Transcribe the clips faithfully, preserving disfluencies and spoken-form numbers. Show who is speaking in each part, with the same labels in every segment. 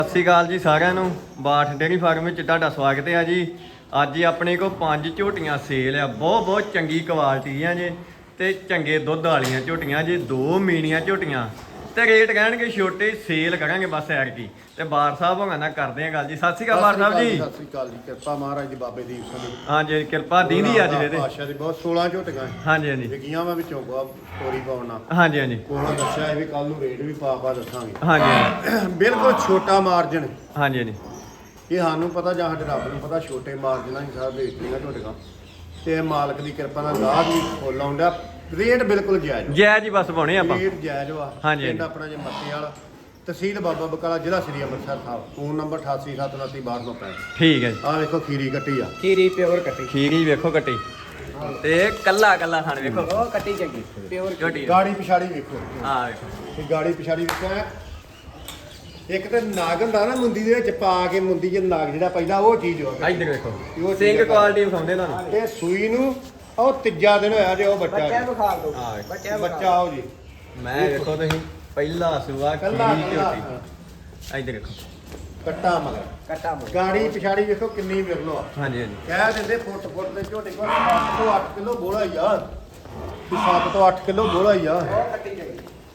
Speaker 1: ਸਤਿ ਸ਼੍ਰੀ ਅਕਾਲ ਜੀ ਸਾਰਿਆਂ ਨੂੰ ਬਾਠ ਡੇਅਰੀ ਫਾਰਮ ਵਿੱਚ ਤੁਹਾਡਾ ਸਵਾਗਤ ਹੈ ਜੀ। ਅੱਜ ਹੀ ਆਪਣੇ ਕੋਲ ਪੰਜ ਝੋਟੀਆਂ ਸੇਲ ਆ, ਬਹੁਤ ਬਹੁਤ ਚੰਗੀ ਕੁਆਲਿਟੀ ਆ ਜੀ ਤੇ ਚੰਗੇ ਦੁੱਧ ਵਾਲੀਆਂ ਝੋਟੀਆਂ ਜੀ। ਦੋ ਮੀਣੀਆਂ ਝੋਟੀਆਂ ਤੇ ਰੇਟ ਰਹਿਣਗੇ ਛੋਟੇ, ਸੇਲ ਕਰਾਂਗੇ ਬਸ ਐਰ ਕੀ। ਤੇ ਬਾਰ ਸਾਹਿਬ ਹੋਗਾ ਨਾ ਕਰਦੇ ਆ ਗੱਲ ਜੀ। ਸਤਿ ਸ਼੍ਰੀ ਅਕਾਲ ਬਾਰ ਸਾਹਿਬ ਜੀ।
Speaker 2: ਸਤਿ ਸ਼੍ਰੀ ਅਕਾਲ ਜੀ। ਕਿਰਪਾ ਮਹਾਰਾਜ ਦੀ ਬਾਬੇ ਦੀਪ ਸਿੰਘ ਦੀ।
Speaker 1: ਹਾਂਜੀ ਕਿਰਪਾ ਦੀਦੀ ਅੱਜ ਦੇ
Speaker 2: ਪਾਸ਼ਾ ਦੀ ਬਹੁਤ ਸੋਲਾਂ ਝੋਟੀਆਂ
Speaker 1: ਹਾਂਜੀ ਹਾਂਜੀ
Speaker 2: ਵਿਕੀਆਂ ਵਾ ਵਿੱਚੋਂ ਕੋ ਤੋਰੀ ਪਾਉਣਾ।
Speaker 1: ਹਾਂਜੀ ਹਾਂਜੀ
Speaker 2: ਕੋਲੋਂ ਦੱਸਿਆ ਇਹ ਵੀ ਕੱਲ ਨੂੰ ਰੇਟ ਵੀ ਪਾ ਪਾ ਦੱਸਾਂਗੇ।
Speaker 1: ਹਾਂਜੀ
Speaker 2: ਬਿਲਕੁਲ ਛੋਟਾ ਮਾਰਜਨ।
Speaker 1: ਹਾਂਜੀ ਹਾਂਜੀ
Speaker 2: ਇਹ ਸਾਨੂੰ ਪਤਾ ਜਾਂ ਸਾਡੇ ਰੱਬ ਨੂੰ ਪਤਾ, ਛੋਟੇ ਮਾਰਜਨਾਂ ਹੀ ਸਾਰਾ ਵੇਚਦੀਆਂ ਝੋਟੀਆਂ ਤੇ ਮਾਲਕ ਦੀ ਕਿਰਪਾ ਨਾਲ ਗਾਹਕ ਵੀ ਫੁੱਲ ਆਉਂਦਾ। ਰੇਟ ਬਿਲਕੁਲ ਜਾਇਜ਼
Speaker 1: ਜੈ ਜੀ ਬਸ ਪਾਉਣੇ ਆਪਾਂ।
Speaker 2: ਰੇਟ ਜਾਇਜ਼ ਵਾ।
Speaker 1: ਹਾਂਜੀ
Speaker 2: ਪਿੰਡ ਆਪਣਾ ਜੇ ਮੱਤੇ ਵਾਲਾ, ਤਹਿਸੀਲ ਬਾਬਾ ਬਕਾਲਾ, ਜ਼ਿਲ੍ਹਾ ਸ੍ਰੀ ਅੰਮ੍ਰਿਤਸਰ ਸਾਹਿਬ। ਫੋਨ ਨੰਬਰ ਅਠਾਸੀ ਸੱਤ ਉਨੱਤੀ ਬਾਹਠ ਨੌ ਪੈਂਹਠ।
Speaker 1: ਠੀਕ ਹੈ ਜੀ।
Speaker 2: ਆਹ ਵੇਖੋ ਖੀਰੀ ਕੱਟੀ ਆ,
Speaker 3: ਖੀਰੀ ਪਿਓਰ ਕੱਟੀ।
Speaker 1: ਖੀਰੀ ਵੇਖੋ ਕੱਟੀ ਤੇ ਕੱਲਾ ਕੱਲਾ ਖਾਣ ਵੇਖੋ
Speaker 3: ਉਹ ਕੱਟੀ ਚੰਗੀ ਪਿਓਰ
Speaker 1: ਝੋਟੀ
Speaker 2: ਗਾੜੀ ਪਿਛਾੜੀ ਵੇਖੋ।
Speaker 1: ਆ ਵੇਖੋ
Speaker 2: ਇਹ ਗਾੜੀ ਪਿਛਾੜੀ ਵੇਖੋ। ਇੱਕ ਤਾਂ ਨਾਗ ਹੁੰਦਾ ਨਾ ਮੁੰਦੀ ਦੇ ਵਿੱਚ ਪਾ ਕੇ, ਮੁੰਦੀ ਚ ਨਾਗ ਜਿਹੜਾ ਪਹਿਲਾਂ ਉਹ ਚੀਜ਼ ਹੋ
Speaker 1: ਇੱਧਰ ਵੇਖੋ ਸਿੰਘ ਕੁਆਲਿਟੀ ਵਿਖਾਉਂਦੇ ਤੁਹਾਨੂੰ।
Speaker 2: ਇਹ ਸੂਈ ਨੂੰ ਉਹ ਤੀਜਾ ਦਿਨ ਹੋਇਆ ਜੇ ਉਹ ਬੱਚਾ
Speaker 3: ਬੱਚਿਆਂ
Speaker 2: ਜੀ।
Speaker 3: ਨੂੰ ਖਾ ਦੋ
Speaker 1: ਆ ਵੇਖੋ
Speaker 3: ਬੱਚਿਆਂ ਨੂੰ
Speaker 2: ਬੱਚਾ ਆਓ ਜੀ।
Speaker 1: ਮੈਂ ਵੇਖੋ ਤੁਸੀਂ ਪਹਿਲਾ ਸੂਆ
Speaker 2: ਕੱਲਾ
Speaker 1: ਖੀਰੀ
Speaker 2: ਕੱਲਾ
Speaker 1: ਝੋਟੀ। ਇੱਧਰ ਵੇਖੋ
Speaker 2: ਕੱਟਾ ਮਗਰ
Speaker 3: ਕੱਟਾ ਮੋ
Speaker 2: ਗਾੜੀ ਪਿਛਾੜੀ ਵੇਖੋ ਕਿੰਨੀ ਵਿਰਲੋ ਆ।
Speaker 1: ਹਾਂਜੀ ਹਾਂਜੀ
Speaker 2: ਕਹਿ ਦਿੰਦੇ ਫੁੱਟ ਫੁੱਟ ਦੇ ਝੋਟੇ ਕੋਲ ਸੱਤ ਤੋਂ ਅੱਠ ਕਿਲੋ ਬੋਲਾ ਹੀ ਆ। ਵੀ ਸੱਤ ਤੋਂ ਅੱਠ ਕਿਲੋ ਬੋਲਾ ਹੀ ਆ।
Speaker 3: ਉਹ ਕੱਟੀ ਚੰਗੀ।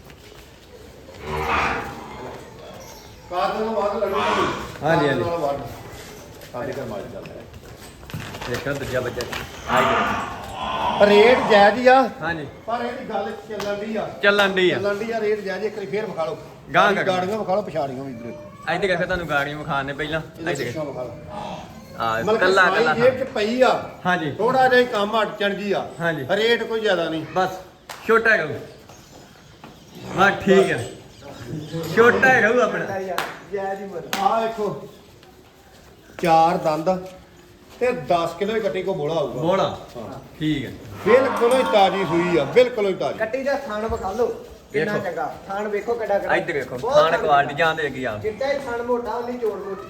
Speaker 2: ਕਾਦ ਨੂੰ ਵੱਧ ਲੜੂ ਨਹੀਂ।
Speaker 1: ਹਾਂਜੀ, ਹਾਂਜੀ।
Speaker 2: ਵੱਧ ਸਾਡੇ ਘਰ ਮਾਲ ਚੱਲਦਾ ਹੈ।
Speaker 1: ਦੇਖੋ ਦੂਜਾ ਬੱਚਾ ਆ ਇੱਧਰ।
Speaker 2: ਰੇਟ ਜਾਇਜ਼ ਹੀ ਆ,
Speaker 1: ਹਾਂਜੀ
Speaker 2: ਪਰ ਇਹਦੀ ਗੱਲ ਚੱਲਣ ਦੀ ਆ।
Speaker 1: ਚੱਲਣ ਦੀ ਆ।
Speaker 2: ਚੱਲਣ ਦੀ ਆ ਰੇਟ ਜਾਇਜ਼। ਇੱਕ ਵਾਰੀ ਫੇਰ ਵਿਖਾ ਲਓ
Speaker 1: ਗਾਂਹ ਕਰ।
Speaker 2: ਗਾੜੀਆਂ ਵਿਖਾ ਲਓ, ਪਿਛਾੜੀਆਂ ਵੀ ਇੱਧਰ
Speaker 1: ਇੱਧਰ ਵੇਖੋ ਤੁਹਾਨੂੰ ਗਾੜੀਆਂ ਵਿਖਾਣੇ ਪਹਿਲਾਂ।
Speaker 2: ਇਹਦੇ
Speaker 1: ਇੱਧਰ
Speaker 2: ਪਿੱਛੋਂ ਵਿਖਾ ਲਓ।
Speaker 1: ਆ
Speaker 2: ਮਤਲਬ
Speaker 1: ਕੱਲਾ
Speaker 2: ਕੱਲਾ
Speaker 1: ਕੱਲਾ
Speaker 2: ਜੇਬ ਚ ਪਈ ਆ।
Speaker 1: ਹਾਂਜੀ
Speaker 2: ਥੋੜਾ ਜਿਹਾ ਹੀ ਕੰਮ ਅੜਚਣ ਜੀ ਆ।
Speaker 1: ਹਾਂਜੀ।
Speaker 2: ਰੇਟ ਕੋਈ ਜ਼ਿਆਦਾ ਨਹੀਂ।
Speaker 1: ਬਸ ਛੋਟਾ ਹੈਗਾ ਹਾਂ ਠੀਕ ਹੈ। ਛੋਟਾ ਹੈਗਾ ਆਪਣਾ।
Speaker 3: ਜੈ ਜੀ ਮਰ
Speaker 2: ਆਹ ਵੇਖੋ ਚਾਰ ਦੰਦ ਤੇ ਦਸ ਕਿਲੋ ਹੀ ਕੱਟੀ ਕੋ ਬੋਲਾ ਆਊਗਾ।
Speaker 1: ਬੋਲਾ
Speaker 2: ਹਾਂ।
Speaker 1: ਠੀਕ ਹੈ।
Speaker 2: ਬਿਲਕੁਲ ਹੀ ਤਾਜੀ ਸੂਈ ਆ, ਬਿਲਕੁਲ ਹੀ ਤਾਜੀ।
Speaker 3: ਕੱਟੀ ਦਾ ਥਾਣ ਵਿਖਾ ਲਓ ਕਿੰਨਾ
Speaker 1: ਵੇਖੋ।
Speaker 3: ਚੰਗਾ ਥਾਣ ਵੇਖੋ ਕਿੱਡਾ ਕਿੱਡਾ।
Speaker 1: ਇੱਧਰ ਵੇਖੋ
Speaker 3: ਬਹੁਤ
Speaker 1: ਖਾਣ
Speaker 3: ਥਾਣ
Speaker 1: ਕੁਆਲਿਟੀ ਜਾਂਦੇ ਅੱਗੇ ਆ।
Speaker 3: ਜਿੱਦਾਂ ਹੀ ਥਾਣ ਮੋਟਾ ਉਹਨੀ ਚੋੜ ਮੋਟੀ।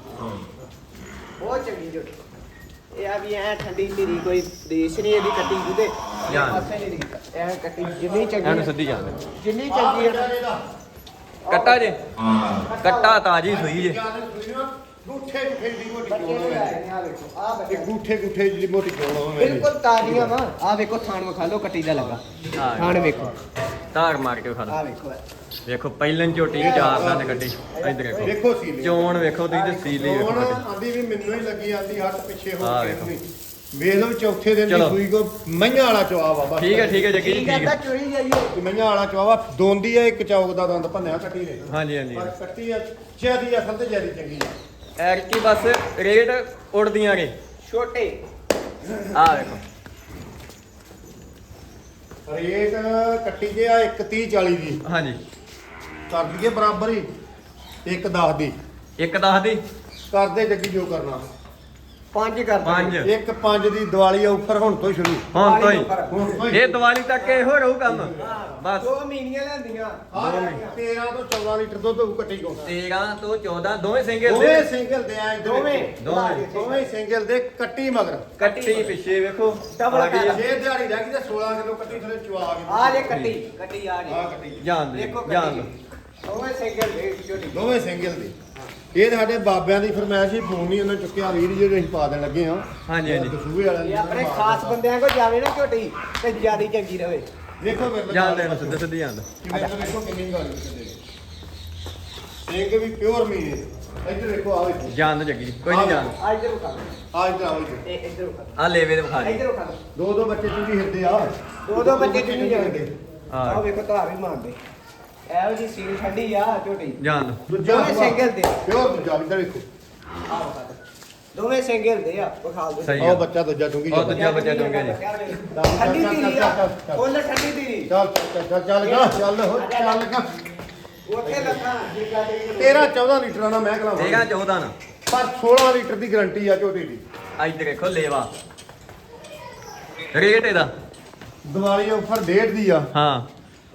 Speaker 3: ਬਹੁਤ ਚੰਗੀ ਜੋ ਇਹ ਆ ਵੀ ਐ ਠੰਡੀ ਧੀਰੀ ਕੋਈ ਦੇਸ਼ ਨਹੀਂ ਇਹਦੀ ਕੱਟੀ ਜਿਹਦੇ
Speaker 1: ਜਾਨ।
Speaker 3: ਪਾਸੇ ਨਹੀਂ ਦੀ ਐ ਕੱਟੀ ਜਿੰਨੀ ਚੰਗੀ
Speaker 1: ਇਹਨੂੰ
Speaker 3: ਆ,
Speaker 1: ਸਿੱਧੀ ਜਾਂਦੇ
Speaker 3: ਜਿੰਨੀ
Speaker 2: ਆਹ
Speaker 3: ਚੰਗੀ
Speaker 2: ਬੱਚਾ
Speaker 3: ਹੈ
Speaker 2: ਇਹਦਾ।
Speaker 1: ਕੱਟਾ ਜੇ ਕੱਟਾ ਤਾਜੀ ਸੂਈ ਜੇ।
Speaker 2: ਜਿਆਦਾ ਸੂਈ ਨਾ, ਗੂਠੇ ਗੂਠੇ ਦੀ ਮੋਟੀ
Speaker 3: ਬੱਚੇ
Speaker 2: ਚੋਣ
Speaker 3: ਦੇ
Speaker 2: ਹੋਵੇ।
Speaker 3: ਆਏ ਨੇ ਆ ਵੇਖੋ ਆ
Speaker 2: ਇਹ
Speaker 3: ਬੱਚਾ
Speaker 2: ਗੂਠੇ ਗੂਠੇ ਦੀ ਮੋਟੀ ਚੋਣ ਹੋਵੇ।
Speaker 3: ਬਿਲਕੁਲ ਤਾਜ਼ੀਆਂ ਵਾ ਆ ਵੇਖੋ ਥਾਣ ਵਿਖਾ ਲਓ ਕੱਟੀ ਦਾ ਲੱਗਾ
Speaker 1: ਹਾਂ।
Speaker 3: ਥਾਣ ਵੇਖੋ
Speaker 1: ਧਾਰ ਮਾਰ ਕੇ ਖਾ
Speaker 3: ਆ
Speaker 1: ਲਓ।
Speaker 3: ਵੇਖੋ
Speaker 1: ਵੇਖੋ ਪਹਿਲਨ ਝੋਟੀ ਚਾਰ ਦੰਦ ਕੱਢੀ। ਇੱਧਰ ਵੇਖੋ
Speaker 2: ਵੇਖੋ ਸੀਲੀ
Speaker 1: ਚੋਣ ਵੇਖੋ ਤੁਸੀਂ ਤੇ ਸੀਲੀ ਵੇਖੋ
Speaker 2: ਹੁਣ
Speaker 1: ਕੱਢੀ।
Speaker 2: ਆਂਦੀ ਵੀ ਮੈਨੂੰ ਹੀ ਲੱਗੀ, ਆਂਦੀ ਹੱਥ ਪਿੱਛੇ ਹੋ
Speaker 1: ਆਹ
Speaker 2: ਕੇ
Speaker 1: ਵੇਖੋ।
Speaker 2: ਨਹੀਂ। ਵੇਖ ਲਓ ਚੌਥੇ ਦਿਨ ਦੀ
Speaker 1: ਚਲੋ।
Speaker 2: ਸੂਈ ਕੋ ਮਈਆਂ ਵਾਲਾ ਚਵਾ ਵਾ ਬਸ।
Speaker 1: ਠੀਕ ਹੈ ਠੀਕ ਹੈ ਜੱਗੀ ਜੀ
Speaker 3: ਠੀਕ
Speaker 1: ਠੀਕ
Speaker 3: ਹੈ
Speaker 1: ਹੈ।
Speaker 3: ਚੋਰੀ ਜਾਈਏ
Speaker 2: ਮਈਆਂ ਵਾਲਾ ਚਵਾ ਦੋਂਦੀ ਆ, ਇੱਕ ਚੌਕ ਦਾ ਦੰਦ ਭੰਨਿਆ ਕੱਟੀ ਨੇ।
Speaker 1: ਹਾਂਜੀ ਹਾਂਜੀ
Speaker 2: ਪਰ ਕੱਟੀ ਆ ਜਿਆਦੀ ਅਸਲ ਤੇ ਜਿਆਦੀ ਚੰਗੀ ਆ।
Speaker 1: ਐਰਕੀ ਬਸ ਰੇਟ ਉੜਦੀਆਂ ਨੇ।
Speaker 3: ਛੋਟੇ
Speaker 1: ਆ ਵੇਖੋ
Speaker 2: ਰੇਟ ਕੱਟੀ ਜੇ ਆ ਇੱਕ ਤੀਹ ਚਾਲੀ ਦੀ
Speaker 1: ਹਾਂਜੀ
Speaker 2: ਕਰ ਦਈਏ ਬਰਾਬਰ ਹੀ। ਇੱਕ ਦਸ ਦੀ
Speaker 1: ਇੱਕ ਦਸ ਦੀ
Speaker 2: ਕਰਦੇ ਜੱਗੀ ਜੋ ਕਰਨਾ।
Speaker 3: ਪੰਜ ਕਰ
Speaker 1: ਪੰਜ
Speaker 2: ਇੱਕ ਪੰਜ ਦੀ ਦੀਵਾਲੀ ਆਫਰ ਹੁਣ ਤੋਂ ਹੀ ਸ਼ੁਰੂ।
Speaker 1: ਹੁਣ ਤੋਂ ਹੀ
Speaker 2: ਹੁਣ ਤੋਂ ਹੀ
Speaker 1: ਇਹ ਦੀਵਾਲੀ ਤੱਕ ਇਹੋ ਰਹੂ ਕੰਮ ਬਸ।
Speaker 3: ਦੋ ਮਹੀਨੀਆਂ ਲੈਂਦੀਆਂ
Speaker 2: ਆਹ ਤੇਰਾਂ ਤੋਂ ਚੌਦਾਂ ਲੀਟਰ ਦੁੱਧ ਹੋਊ ਕੱਟੀ ਕੋ।
Speaker 1: ਤੇਰਾਂ ਤੋਂ ਚੌਦਾਂ ਦੋਵੇਂ ਸਿੰਗਲ
Speaker 2: ਦੋਵੇਂ
Speaker 1: ਦੇ
Speaker 2: ਸਿੰਗਲ ਦੇ ਆ ਇੱਧਰ
Speaker 3: ਦੋਵੇਂ
Speaker 2: ਵੇਖੋ।
Speaker 1: ਦੋਵੇਂ।
Speaker 2: ਦੋਵੇਂ ਸਿੰਗਲ ਦੇ ਕੱਟੀ ਮਗਰ।
Speaker 1: ਕੱਟੀ ਪਿੱਛੇ ਵੇਖੋ
Speaker 3: ਡਬਲ
Speaker 1: ਆ ਗਈ ਆ।
Speaker 2: ਜੇ ਦਿਹਾੜੀ ਰਹਿ ਗਈ ਤੇ ਸੋਲਾਂ ਕਿਲੋ ਕੱਟੀ ਥਲੇ ਚਵਾ ਕੇ।
Speaker 3: ਆ ਜੇ ਕੱਟੀ ਕੱਟੀ ਆ ਜੇ
Speaker 2: ਆ ਕੱਟੀ
Speaker 1: ਜਾਣ ਦੇ
Speaker 3: ਦੇਖੋ
Speaker 1: ਜਾਣ ਦੋ।
Speaker 3: ਕੱਟੀ ਦੋਵੇਂ ਸਿੰਗਲ ਦੇ ਛੋਟੀ
Speaker 2: ਦੋਵੇਂ ਸਿੰਗਲ ਦੇ। ਇਹ ਸਾਡੇ ਬਾਬਿਆਂ ਦੀ ਫਰਮਾਇਸ਼ ਹੀ, ਫੋਨ ਨਹੀਂ ਉਹਨਾਂ ਚੁੱਕਿਆ। ਵੀਰ ਜਿਹੜੇ ਅਸੀਂ ਪਾ ਦੇਣ ਲੱਗੇ ਆ।
Speaker 1: ਹਾਂਜੀ ਹਾਂਜੀ
Speaker 2: ਦਸੂਹੇ ਵਾਲਿਆਂ
Speaker 3: ਇਹ
Speaker 2: ਦੀ
Speaker 3: ਆਪਣੇ ਖਾਸ ਬੰਦਿਆਂ ਕੋ ਜਾਵੇ ਨਾ ਝੋਟੀ ਤੇ ਜਿਆਦੀ ਚੰਗੀ ਰਵੇ।
Speaker 2: ਵੇਖੋ ਮੇਰੇ
Speaker 1: ਜਾਣ ਦੇ ਸਿੱਧੇ ਸਿੱਧੇ ਜਾਣ ਦੋ।
Speaker 2: ਕਿਵੇਂ ਤਾਂ ਵੇਖੋ ਕਿੰਨੀ ਗਾੜੀ ਕਿੰਨੇ ਸਿੰਘ ਵੀ ਪਿਓਰ ਮੀਨੇ। ਇੱਧਰ ਵੇਖੋ ਆ ਵੇਖੋ
Speaker 1: ਜਾਣ ਦੋ ਜੱਗੀ ਕੋਈ ਨਹੀਂ ਜਾਣ
Speaker 3: ਆ ਇੱਧਰ ਉਖਾ
Speaker 2: ਆ ਇੱਧਰ ਆਓ ਇੱਧਰ।
Speaker 3: ਇਹ ਇੱਧਰ ਉਖਾ
Speaker 1: ਆ ਲੇਵੇ ਦੇ ਵਿਖਾ ਦੇ।
Speaker 3: ਇੱਧਰ ਉਖਾ
Speaker 2: ਦੋ ਦੋ ਬੱਚੇ ਚੁੰਗੀ ਹਿਰਦੇ ਆ।
Speaker 3: ਦੋ ਦੋ ਬੱਚੇ ਚੁੰਗੀ ਜਾਣਗੇ।
Speaker 1: ਹਾਂ।
Speaker 3: ਆਹ ਵੇਖੋ ਧਾਰ ਵੀ ਮਾਰਦੇ ਇਹੋ ਜੀ ਸੀਲ ਠੰਡੀ ਆ ਝੋਟੀ।
Speaker 1: ਜਾਣ ਦੋ
Speaker 2: ਦੂਜਾ
Speaker 3: ਦੋਵੇਂ ਸਿੰਗਲ ਦੇ
Speaker 2: ਪਿਓਰ ਦੂਜਾ ਇੱਧਰ ਵੇਖੋ।
Speaker 3: ਆ ਵਿਖਾ ਦੇ ਦੋਵੇਂ ਸਿੰਗਲ ਦੇ ਆ ਵਿਖਾ ਦੋ
Speaker 1: ਸਹੀ
Speaker 2: ਉਹ
Speaker 1: ਆ।
Speaker 2: ਬੱਚਾ ਦੂਜਾ ਚੁੰਗੀ
Speaker 1: ਉਹ ਦੂਜਾ ਬੱਚਾ ਚੁੰਗਿਆ ਜੀ।
Speaker 3: ਠੰਡੀ ਧੀਰੀ ਆ ਫੁੱਲ ਠੰਡੀ ਧੀਰੀ
Speaker 2: ਚੱਲ ਚੱਲ ਚੱਲ ਚੱਲ ਗਾ ਚੱਲ ਹੋ ਚੱਲ ਗਾ।
Speaker 3: ਉੱਥੇ ਲੱਗਾ ਜਿੱਗਾ ਦੇ
Speaker 2: ਤੇਰਾਂ ਚੌਦਾਂ ਲੀਟਰਾਂ ਦਾ ਮੈਂ ਕਲਾਂ
Speaker 1: ਤੇਰਾਂ ਚੌਦਾਂ ਨਾ
Speaker 2: ਪਰ ਸੋਲਾਂ ਲੀਟਰ ਦੀ ਗਾਰੰਟੀ ਆ ਝੋਟੀ ਦੀ।
Speaker 1: ਇੱਧਰ ਦੇਖੋ ਲੇਵਾ ਰੇਟ ਇਹਦਾ
Speaker 2: ਦੀਵਾਲੀ ਆਫਰ ਡੇਢ ਦੀ ਆ।
Speaker 1: ਹਾਂ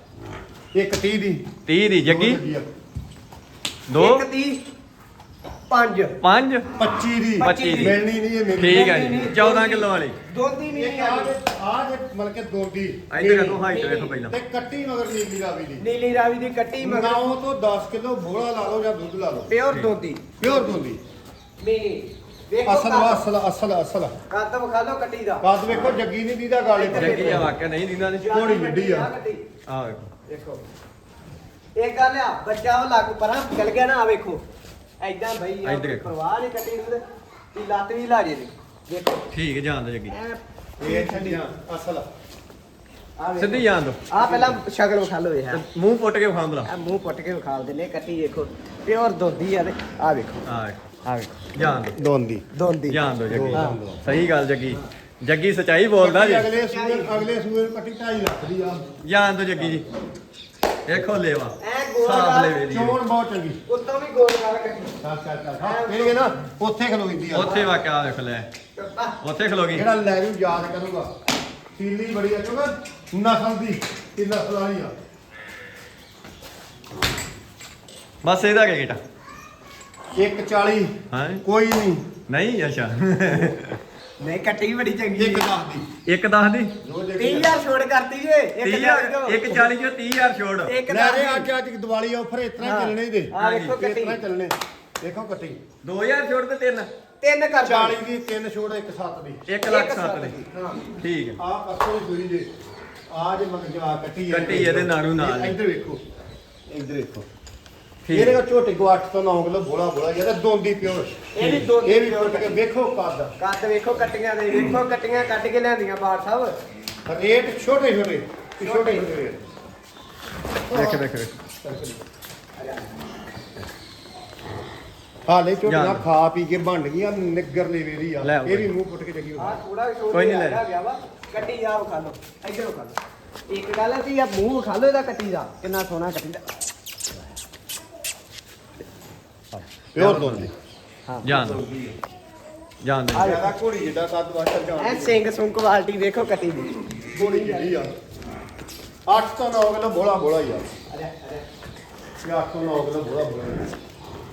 Speaker 2: ਇੱਕ ਤੀਹ ਦੀ
Speaker 1: ਤੀਹ ਦੀ ਜੱਗੀ ਦੋ
Speaker 3: ਇੱਕ ਤੀਹ ਪੰਜ
Speaker 1: ਪੰਜ
Speaker 2: ਪੱਚੀ ਦੀ
Speaker 1: ਪੱਚੀ ਦੀ।
Speaker 2: ਮਿਲਣੀ ਨਹੀਂ ਇਹ ਮੇਰੀ
Speaker 1: ਠੀਕ ਹੈ ਜੀ ਚੌਦਾਂ ਕਿਲੋ ਵਾਲੀ
Speaker 3: ਦੋਂਦੀ
Speaker 2: ਇਹ
Speaker 3: ਨਹੀਂ
Speaker 2: ਆ
Speaker 3: ਆ
Speaker 2: ਜੇ ਆ ਜੇ ਮਤਲਬ ਕਿ ਦੋਦੀ
Speaker 1: ਇੱਧਰ ਦੇਖੋ ਹਾਈਟ ਵੇਖੋ ਪਹਿਲਾਂ
Speaker 2: ਤੇ ਕੱਟੀ ਮਗਰ ਨੀਲੀ ਰਾਵੀ ਦੀ
Speaker 3: ਨੀਲੀ ਰਾਵੀ ਦੀ ਕੱਟੀ ਮਗਰ
Speaker 2: ਨੌ ਤੋਂ ਦਸ ਕਿਲੋ ਬੋਲਾ ਲਾ ਲਓ ਜਾਂ ਦੁੱਧ ਲਾ ਲਓ
Speaker 3: ਪਿਓਰ ਦੋਂਦੀ
Speaker 2: ਪਿਓਰ ਦੋਦੀ
Speaker 3: ਮੀਨੀ ਵੇਖੋ
Speaker 2: ਅਸਲ ਅਸਲ ਅਸਲ ਅਸਲ
Speaker 3: ਕੱਦ ਵਿਖਾ ਲਓ ਕੱਟੀ ਦਾ
Speaker 2: ਕੱਦ ਵੇਖੋ ਜੱਗੀ ਨਹੀਂ ਦੀਦਾ ਗਾਲੇ ਤੇ
Speaker 1: ਜੱਗੀ ਆ ਵਾਕਿਆ ਨਹੀਂ ਦਿੰਦਾ ਨੇ
Speaker 2: ਘੋੜੀ ਵੱਡੀ ਆ।
Speaker 3: ਕੱਟੀ।
Speaker 1: ਆ ਵੇਖੋ
Speaker 3: ਦੇਖੋ ਇੱਕ ਗੱਲ ਆ ਬੱਚਾ ਉਹ ਲੱਗ ਪਰਾਂ ਚਲ ਗਿਆ ਨਾ ਆ ਵੇਖੋ ਐਦਾਂ ਬਈ ਆ
Speaker 1: ਇੱਧਰ ਦੇਖੋ।
Speaker 3: ਪਰਵਾਹ ਨਹੀਂ ਕੱਟੀ ਨੂੰ ਤੇ ਲੱਤ ਵੀ ਲਾ ਜੇ ਦੀ ਦੇਖੋ
Speaker 1: ਠੀਕ ਹੈ ਜਾਣ ਦੋ ਜੱਗੀ
Speaker 3: ਐਂ
Speaker 2: ਇਹ ਛੱਡੀਆਂ ਅਸਲ
Speaker 3: ਆ ਵੇਖੋ।
Speaker 1: ਸਿੱਧੀ ਜਾਣ ਦੋ
Speaker 3: ਆ ਪਹਿਲਾਂ ਸ਼ਕਲ ਵਿਖਾ ਲਓ ਇਹ
Speaker 1: ਮੂੰਹ ਪੁੱਟ ਕੇ ਖਾਂ ਬਲਾ
Speaker 3: ਆ ਮੂੰਹ ਪੁੱਟ ਕੇ ਵਿਖਾ ਦਿੰਦੇ ਕੱਟੀ ਦੇਖੋ ਪਿਓਰ ਦੋਂਦੀ ਆ ਤੇ ਆ ਵੇਖੋ
Speaker 1: ਆ ਵੇਖੋ
Speaker 3: ਆ ਵੇਖੋ
Speaker 1: ਜਾਣ ਦੋ
Speaker 2: ਦੋਂਦੀ
Speaker 3: ਦੋਂਦੀ
Speaker 1: ਜਾਣ ਦੋ ਜੱਗੀ
Speaker 3: ਹਾਂ।
Speaker 1: ਸਹੀ ਗੱਲ ਜੱਗੀ ਜੱਗੀ ਸਚਾਈ ਬੋਲਦਾ ਜੀ
Speaker 2: ਅਗਲੇ ਸੂਏ ਅਗਲੇ ਸੂਏ ਕੱਟੀ ਢਾਈ ਲੱਖ ਦੀ ਆ
Speaker 1: ਜਾਣ ਦੋ ਜੱਗੀ ਜੀ ਦੇਖੋ ਲੇਵਾ
Speaker 3: ਐ ਗੋਲ
Speaker 1: ਸਾਫ
Speaker 3: ਨਾਲ
Speaker 1: ਲੇਵੇ ਦੀ
Speaker 2: ਚੋਣ ਬਹੁਤ ਚੰਗੀ
Speaker 3: ਉੱਤੋਂ ਵੀ ਗੋਲ ਨਾਲ ਕੱਟੀ
Speaker 2: ਚੱਲ ਚੱਲ ਚੱਲ ਹਾਂ ਇਹ ਨਾ ਉੱਥੇ ਖਲੋਈਂਦੀ ਆ
Speaker 1: ਉੱਥੇ ਵਾਕਿਆ ਦੇਖ ਲੈ ਉੱਥੇ ਖਲੋ ਗਈ
Speaker 2: ਜਿਹੜਾ ਲੈ ਜੂ ਯਾਦ ਕਰੂਗਾ ਤੀਲੀ ਬੜੀ ਆ ਕਿਉਂਕਿ ਨਸਲ ਦੀ ਇਹ ਨਸਲ ਵਾਲੀ ਆ
Speaker 1: ਬਸ ਇਹਦਾ ਕੀ ਗੇਟਾ
Speaker 2: ਇੱਕ ਚਾਲੀ
Speaker 1: ਹਾਂ
Speaker 2: ਕੋਈ ਨਹੀਂ
Speaker 1: ਨਹੀਂ ਅੱਛਾ
Speaker 3: ਨਹੀਂ ਕੱਟੀ ਬੜੀ ਚੰਗੀ
Speaker 2: ਇੱਕ ਦਸ ਦੀ
Speaker 1: ਇੱਕ ਦਸ ਦੀ
Speaker 2: ਜੋ
Speaker 3: ਤੀਹ
Speaker 2: ਦੇਖੀ
Speaker 3: ਹਜ਼ਾਰ ਛੋੜ ਕਰਤੀ ਜੇ ਇੱਕ
Speaker 1: ਤੀਹ
Speaker 3: ਹਜ਼ਾਰ
Speaker 1: ਹਜ਼ਾਰ ਇੱਕ ਚਾਲੀ ਚੋਂ ਤੀਹ ਹਜ਼ਾਰ ਛੋੜ
Speaker 3: ਇੱਕ
Speaker 2: ਲੈ
Speaker 3: ਦਸ
Speaker 2: ਰੇ
Speaker 3: ਦੀ।
Speaker 2: ਅੱਜ ਅੱਜ ਦੀਵਾਲੀ ਆਫਰ ਇਸ ਤਰ੍ਹਾਂ
Speaker 3: ਹਾਂ।
Speaker 2: ਚੱਲਣੇ ਦੇ
Speaker 3: ਆ ਵੇਖੋ
Speaker 2: ਇਸ
Speaker 3: ਕੱਟੀ
Speaker 2: ਤਰ੍ਹਾਂ ਚੱਲਣੇ ਦੇਖੋ ਕੱਟੀ
Speaker 1: ਦੋ ਹਜ਼ਾਰ ਛੋੜ ਤੇ ਤਿੰਨ
Speaker 3: ਤਿੰਨ ਕਰ
Speaker 2: ਚਾਲੀ ਦੀ ਤਿੰਨ ਛੋੜ ਇੱਕ ਸੱਤ ਦੀ
Speaker 1: ਇੱਕ ਲੱਖ ਸੱਤ ਦੀ
Speaker 2: ਹਾਂ
Speaker 1: ਠੀਕ ਹੈ
Speaker 2: ਆ ਪਰਸੋਂ ਦੀ ਸੂਈ ਜੇ ਆ ਜੇ ਮਗ ਜਾ ਕੱਟੀ ਆ।
Speaker 1: ਕੱਟੀ ਇਹਦੇ ਨਾਲੋਂ ਨਾਲ ਹੀ।
Speaker 2: ਇੱਧਰ ਵੇਖੋ ਇੱਧਰ ਵੇਖੋ
Speaker 1: ਠੀਕ
Speaker 2: ਇਹਦੇ ਕੋ ਝੋਟੇ ਕੋ ਅੱਠ ਤੋਂ ਨੌ ਕਿਲੋ ਬੋਲਾ ਬੋਲਾ ਇਹਦਾ ਦੋਂਦੀ ਪਿਓਰ
Speaker 3: ਇਹ ਵੀ ਦੋਂਦੀ
Speaker 2: ਇਹ ਵੀ
Speaker 3: ਪਿਓਰ
Speaker 2: ਕੱਟ ਕੇ ਵੇਖੋ ਕੱਦ
Speaker 3: ਕੱਦ ਵੇਖੋ ਕੱਟੀਆਂ ਦੇ ਵੇਖੋ ਕੱਟੀਆਂ ਕੱਟ ਕੇ ਲਿਆਂਦੀਆਂ ਬਾੜ ਸਾਹਿਬ
Speaker 2: ਰੇਟ ਛੋਟੇ ਛੋਟੇ ਛੋਟੇ ਛੋਟੇ ਰੇਟ
Speaker 1: ਦੇਖ ਦੇਖ ਦੇਖ
Speaker 2: ਹਾਲੇ ਝੋਟੀਆਂ
Speaker 1: ਜਾਣ।
Speaker 2: ਖਾ ਪੀ ਕੇ ਬਣ ਗਈਆਂ ਨਿੱਗਰ ਲੇਵੇਰੀ ਆ
Speaker 1: ਲੈ ਆਓ
Speaker 2: ਇਹ ਵੀ ਮੂੰਹ ਪੁੱਟ ਕੇ ਜਗੀ
Speaker 3: ਆ ਥੋੜਾ ਛੋੜ
Speaker 1: ਕੋਈ ਨੀ ਲੈ।
Speaker 3: ਗਿਆ ਵਾ ਕੱਟੀ ਜਾ ਵਿਖਾ ਲਓ ਇੱਧਰ ਵਿਖਾ ਲਓ ਇੱਕ ਗੱਲ ਹੈ ਕਿ ਆ ਮੂੰਹ ਵਿਖਾ ਲਓ ਇਹਦਾ ਕੱਟੀ ਦਾ ਕਿੰਨਾ ਸੋਹਣਾ ਕੱਟੀ ਦਾ
Speaker 2: ਪਿਓਰ ਦੋਂਦੀ
Speaker 3: ਹਾਂ
Speaker 1: ਜਾਣ ਦੋ ਜਾਣ ਦੋ
Speaker 3: ਆ
Speaker 2: ਜਿਆਦਾ ਘੋੜੀ ਜਿੱਡਾ ਕੱਦ ਵਾਸਤੇ
Speaker 3: ਐ
Speaker 2: ਜਾਣ
Speaker 3: ਸਿੰਘ ਸੁੰਗ ਕੁਆਲਿਟੀ ਵੇਖੋ ਕੱਟੀ ਦੀ
Speaker 2: ਘੋੜੀ ਜਿਹੜੀ ਆ ਅੱਠ ਤੋਂ ਨੌ ਕਿਲੋ ਬੋਲਾ ਬੋਲਾ ਹੀ ਆ
Speaker 3: ਅਰੇ ਅਰੇ
Speaker 2: ਇਹ ਅੱਠ ਤੋਂ ਨੌ ਕਿਲੋ ਬੋਲਾ ਬੋਲਾ ਹੀ ਆ।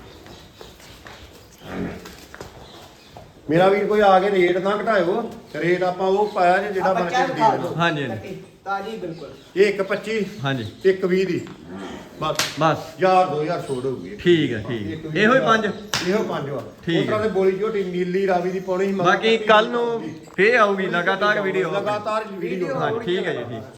Speaker 2: ਮੇਰਾ ਵੀਰ ਕੋਈ ਆ ਕੇ ਰੇਟ ਨਾ ਘਟਾਇਓ ਰੇਟ ਆਪਾਂ ਉਹ ਪਾਇਆ ਜੇ ਜਿਹੜਾ ਬਣ ਕੇ ਦੇ ਦੇਣਾ
Speaker 1: ਹਾਂਜੀ, ਹਾਂਜੀ।
Speaker 3: ਕੱਟੀ ਤਾਜੀ ਬਿਲਕੁਲ
Speaker 2: ਇਹ ਇੱਕ ਪੱਚੀ
Speaker 1: ਹਾਂਜੀ
Speaker 2: ਇੱਕ ਵੀਹ ਦੀ ਬਸ
Speaker 1: ਬਸ
Speaker 2: ਹਜ਼ਾਰ ਦੋ ਹਜ਼ਾਰ ਛੋੜ ਹੋਊਗੀ
Speaker 1: ਠੀਕ ਹੈ ਠੀਕ ਹੈ ਇਹੋ ਹੀ ਪੰਜ
Speaker 2: ਇਹੋ ਪੰਜ ਵਾ
Speaker 1: ਠੀਕ
Speaker 2: ਉਸ ਤਰ੍ਹਾਂ ਦੇ ਬੋਲੀ ਝੋਟੀ ਨੀਲੀ ਰਾਵੀ ਦੀ ਪਾਉਣੀ ਸੀ ਮਗਰ
Speaker 1: ਬਾਕੀ
Speaker 2: ਕੱਟੀ
Speaker 1: ਕੱਲ
Speaker 2: ਦੀ
Speaker 1: ਨੂੰ
Speaker 2: ਆਊਗੀ।
Speaker 1: ਫੇਰ ਆਊਗੀ ਲਗਾਤਾਰ ਵੀਡੀਓ
Speaker 2: ਲਗਾਤਾਰ ਵੀਡੀਓ
Speaker 1: ਹਾਂ ਠੀਕ ਹੈ ਜੀ ਠੀਕ